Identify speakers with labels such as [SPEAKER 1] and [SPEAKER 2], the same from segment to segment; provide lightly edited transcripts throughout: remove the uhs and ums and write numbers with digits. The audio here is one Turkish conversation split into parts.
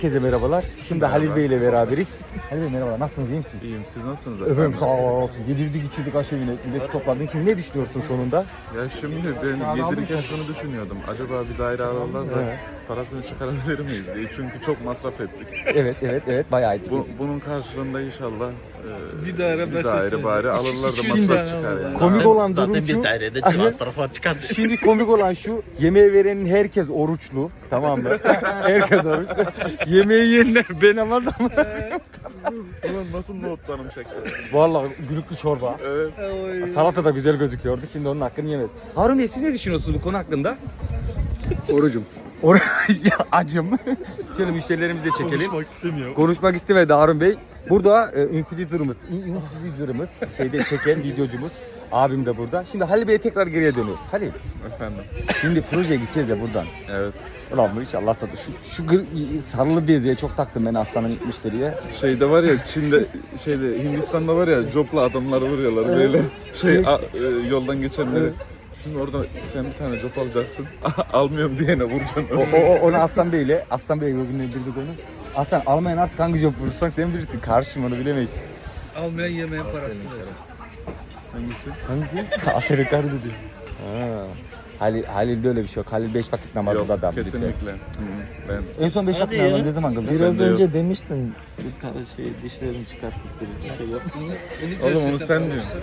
[SPEAKER 1] Herkese merhabalar. Şimdi Halil Bey ile beraberiz. Halil Bey merhabalar. Nasılsınız? İyi misiniz?
[SPEAKER 2] İyiyim. Siz nasılsınız
[SPEAKER 1] Efendim sağ olsun. Yedirdik içirdik aşevine. Milleti topladın. Şimdi ne düşünüyorsun sonunda?
[SPEAKER 2] Ya şimdi ben yedirirken şunu düşünüyordum. Acaba bir daire alırlar da
[SPEAKER 1] Evet.
[SPEAKER 2] parasını çıkarabilir miyiz diye. Çünkü çok masraf ettik.
[SPEAKER 1] Evet bayağı ettik.
[SPEAKER 2] Bunun karşılığında inşallah
[SPEAKER 3] Bir daire
[SPEAKER 2] bari alırlar da
[SPEAKER 1] Şimdi
[SPEAKER 2] masraf çıkar yani.
[SPEAKER 1] komik olan durum
[SPEAKER 3] Zaten
[SPEAKER 1] şu.
[SPEAKER 3] bir dairede masrafa çıkardı.
[SPEAKER 1] Şimdi komik olan şu. Yemeği verenin herkes oruçlu. Tamam mı? Herkes oruçlu. Yemeği yiyenler ben ama
[SPEAKER 2] Ulan nasıl not canım çekti.
[SPEAKER 1] vallahi gülüklü çorba.
[SPEAKER 2] Evet.
[SPEAKER 1] Salata da güzel gözüküyordu. Şimdi onun hakkını yemez. Harun Bey siz ne düşünüyorsunuz bu konu hakkında?
[SPEAKER 3] Orucum.
[SPEAKER 1] Ya acım. Şöyle müşterilerimizi de çekelim.
[SPEAKER 3] Konuşmak istemiyorum.
[SPEAKER 1] Konuşmak istemedi Harun Bey. Burada influencer'ımız şeyde çeken videocumuz. Abim de burada. Şimdi Halil Bey'e tekrar geriye dönüyoruz. Halil,
[SPEAKER 2] Efendim.
[SPEAKER 1] şimdi projeye gideceğiz ya buradan.
[SPEAKER 2] Evet.
[SPEAKER 1] Ulan bu inşallah satır. Şu sarılı diziye çok taktım ben aslanın müşteriye.
[SPEAKER 2] Şeyde var ya Hindistan'da var ya copla adamları vuruyorlar böyle yoldan geçenleri. Şimdi orada sen bir tane cop alacaksın. Almıyorum diyene vuracaksın.
[SPEAKER 1] Onu Aslan Bey'le, Aslan Bey'le bugün bildik onu. Aslan almayan artık hangi job vurursan sen bilirsin. Karşım onu bilemeyiz.
[SPEAKER 3] Almayan yemeğin parasını ver.
[SPEAKER 2] Hangisi?
[SPEAKER 1] Aslan yukarı dedi. Ha. Halil'de öyle bir şey yok. Halil 5 vakit namazında da.
[SPEAKER 2] Yok kesinlikle. Ben
[SPEAKER 1] En son 5 vakit
[SPEAKER 3] Hadi ya.
[SPEAKER 1] namazı ne zaman kıldın?
[SPEAKER 2] Biraz önce
[SPEAKER 4] demiştin bir tane dişlerimi çıkarttık bir şey yaptın.
[SPEAKER 2] oğlum onu sen diyorsun.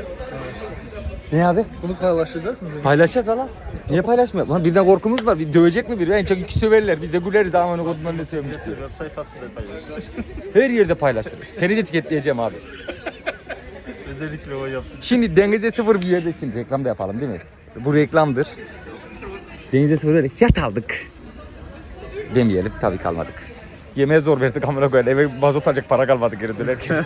[SPEAKER 1] Ne abi?
[SPEAKER 3] Bunu paylaşacak mısın?
[SPEAKER 1] Paylaşacağız hala. Niye paylaşmıyor? Lan birden korkumuz var. Bir dövecek mi biri? En çok iki söverler. Biz de güleriz. Aman o kodundan ne sövmüş diye.
[SPEAKER 4] Web sayfasında paylaşacağız.
[SPEAKER 1] Her yerde paylaşırım. Seni de etiketleyeceğim abi.
[SPEAKER 4] Özellikle o yaptım.
[SPEAKER 1] Şimdi denize sıfır bir yerde için reklam da yapalım değil mi? Bu reklamdır. Denize sıfır böyle fiyat aldık. Demeyelim tabii kalmadık. Yemeğe zor verdik amına koyalım. Eve mazot alacak para kalmadı geri dönerken.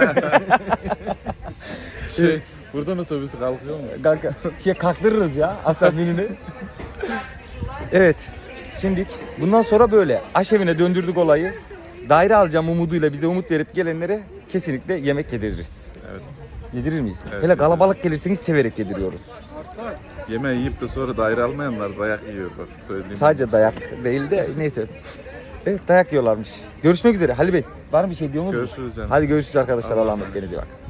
[SPEAKER 2] Buradan otobüs kalkıyor mu?
[SPEAKER 1] Kanka kalktırırız ya aslan menünü. Evet. Şimdi bundan sonra böyle aşevine döndürdük olayı. Daire alacağım umuduyla bize umut verip gelenlere kesinlikle yemek yediririz.
[SPEAKER 2] Evet.
[SPEAKER 1] Yedirir miyiz?
[SPEAKER 2] Evet,
[SPEAKER 1] Hele kalabalık gelirseniz severek yediriyoruz.
[SPEAKER 2] Yemeği yiyip de sonra daire almayanlar dayak yiyor bak söyleyeyim.
[SPEAKER 1] Sadece dayak değil de neyse. Evet dayak yiyorlarmış. Görüşmek üzere Halil Bey. Var mı bir şey diyor musunuz?
[SPEAKER 2] Görüşürüz canım.
[SPEAKER 1] Hadi görüşürüz arkadaşlar.
[SPEAKER 2] Allah'a
[SPEAKER 1] Allah'a
[SPEAKER 2] emanet.
[SPEAKER 1] emanet. Kendinize iyi bakın.